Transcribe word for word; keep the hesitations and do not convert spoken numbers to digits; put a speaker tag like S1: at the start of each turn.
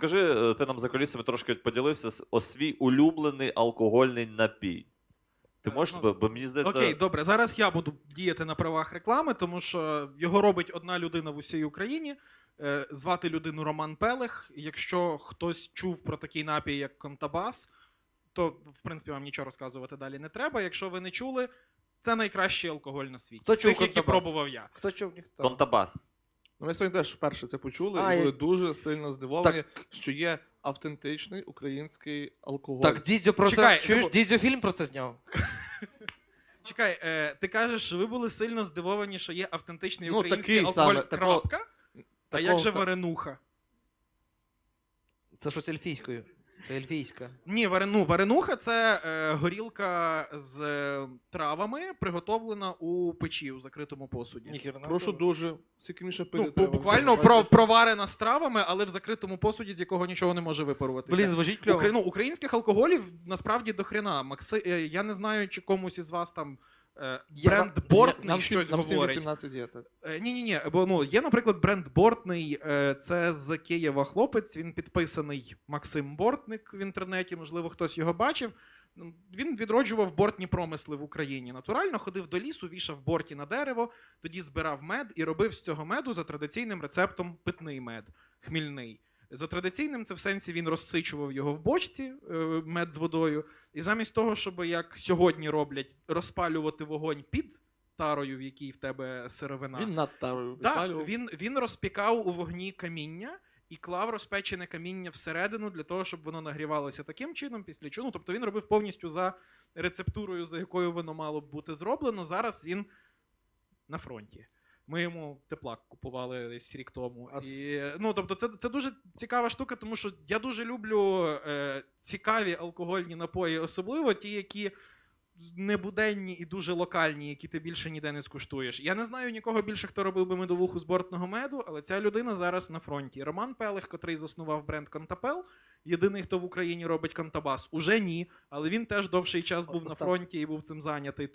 S1: розкажи, ти нам за кулісами трошки поділився о свій улюблений алкогольний напій. Ти можеш,
S2: Ну,
S1: бо, бо мені здається...
S2: Окей, добре, зараз я буду діяти на правах реклами, тому що його робить одна людина в усій Україні. Е, Звати людину Роман Пелех. Якщо хтось чув про такий напій, як Контабас, то, в принципі, вам нічого розказувати далі не треба. Якщо ви не чули, це найкращий алкоголь на світі.
S3: Хто
S2: З
S3: чув
S2: тих, які
S3: Контабас?
S2: пробував я.
S3: Хто чув, ніхто.
S1: Контабас.
S4: Ну, ми сьогодні теж вперше це почули
S3: А,
S4: і були
S3: я-
S4: дуже сильно здивовані, що є автентичний український алкоголь.
S3: Так, Дідзьо про
S2: Чекай,
S3: це. Чуєш,
S2: ну,
S3: Дідзьо фільм про це зняв.
S2: Чекай, е, ти кажеш, що ви були сильно здивовані, що є автентичний
S4: Ну,
S2: український
S4: такий
S2: алкоголь,
S4: саме, такого-
S2: крапка? А
S4: такого
S2: як же
S4: ха-
S2: варенуха?
S3: Це щось ельфійською. Це ельфійська.
S2: Ні, варену, варенуха – це е, горілка з е, травами, приготовлена у печі, у закритому посуді.
S3: Ніхіра не
S4: Прошу
S3: собі.
S4: дуже, скільки міше пити
S2: Ну,
S4: треба.
S2: буквально про, проварена з травами, але в закритому посуді, з якого нічого не може випаруватися.
S3: Блін, звучить кльово.
S2: Укра... ну, українських алкоголів насправді до хрена. Макси... е, Я не знаю, чи комусь із вас там е,
S3: Я-
S2: бренд
S3: я-
S2: Бортний
S4: Нам всім,
S2: щось
S4: нам всім
S2: говорить.
S4: вісімнадцять є, так.
S2: Е, Ні-ні-ні, бо ну, є, наприклад, бренд Бортний, е, це з Києва хлопець, він підписаний Максим Бортник в інтернеті, можливо, хтось його бачив. Ну, Він відроджував бортні промисли в Україні. Натурально ходив до лісу, вішав борті на дерево, тоді збирав мед і робив з цього меду за традиційним рецептом питний мед, хмільний. За традиційним це в сенсі він розсичував його в бочці, е, мед з водою, і замість того, щоб, як сьогодні роблять, розпалювати вогонь під тарою, в якій в тебе сировина.
S4: Він над тарою
S2: Так,
S4: підпалював.
S2: він, він розпікав у вогні каміння і клав розпечене каміння всередину для того, щоб воно нагрівалося таким чином, після чого. Ну, тобто він робив повністю за рецептурою, за якою воно мало б бути зроблено. Зараз він на фронті. Ми йому теплак купували десь рік тому.
S3: А
S2: І, ну, тобто це, це дуже цікава штука, тому що я дуже люблю е, цікаві алкогольні напої, особливо ті, які небуденні і дуже локальні, які ти більше ніде не скуштуєш. Я не знаю нікого більше, хто робив би медовуху з бортного меду, але ця людина зараз на фронті. Роман Пелех, котрий заснував бренд Контапел, єдиний, хто в Україні робить Контабас, уже ні, але він теж довший час був на
S3: Остап.
S2: фронті і був цим зайнятий.